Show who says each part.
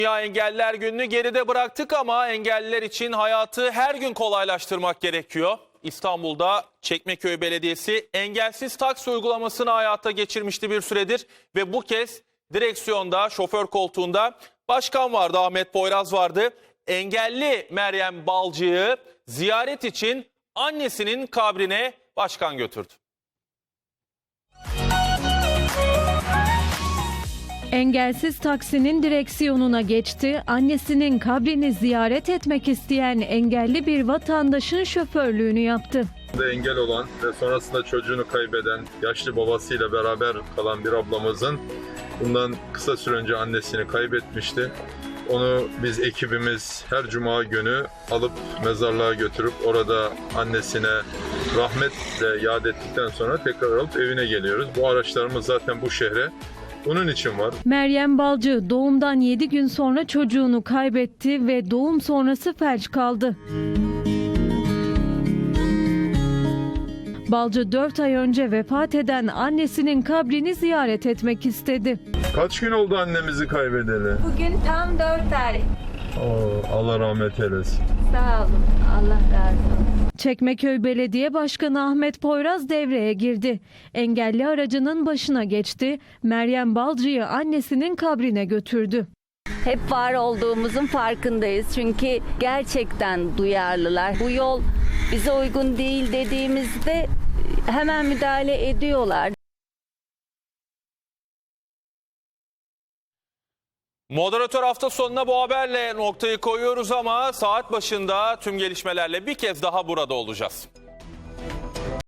Speaker 1: Dünya Engelliler Günü'nü geride bıraktık ama engelliler için hayatı her gün kolaylaştırmak gerekiyor. İstanbul'da Çekmeköy Belediyesi engelsiz taksi uygulamasını hayata geçirmişti bir süredir ve bu kez direksiyonda, şoför koltuğunda başkan vardı, Ahmet Poyraz vardı. Engelli Meryem Balcı'yı ziyaret için annesinin kabrine başkan götürdü.
Speaker 2: Engelsiz taksinin direksiyonuna geçti, annesinin kabrini ziyaret etmek isteyen engelli bir vatandaşın şoförlüğünü yaptı.
Speaker 3: Engel olan ve sonrasında çocuğunu kaybeden, yaşlı babasıyla beraber kalan bir ablamızın bundan kısa süre önce annesini kaybetmişti. Onu biz ekibimiz her cuma günü alıp mezarlığa götürüp orada annesine rahmetle yad ettikten sonra tekrar alıp evine geliyoruz. Bu araçlarımız zaten bu şehre bunun için var.
Speaker 2: Meryem Balcı doğumdan 7 gün sonra çocuğunu kaybetti ve doğum sonrası felç kaldı. Balcı 4 ay önce vefat eden annesinin kabrini ziyaret etmek istedi.
Speaker 3: Kaç gün oldu annemizi kaybedeli?
Speaker 4: Bugün tam 4 ay.
Speaker 3: Allah rahmet eylesin.
Speaker 4: Sağ olun. Allah razı olsun.
Speaker 2: Çekmeköy Belediye Başkanı Ahmet Poyraz devreye girdi. Engelli aracının başına geçti. Meryem Balcı'yı annesinin kabrine götürdü.
Speaker 4: Hep var olduğumuzun farkındayız. Çünkü gerçekten duyarlılar. Bu yol bize uygun değil dediğimizde hemen müdahale ediyorlar.
Speaker 1: Moderatör hafta sonuna bu haberle noktayı koyuyoruz ama saat başında tüm gelişmelerle bir kez daha burada olacağız.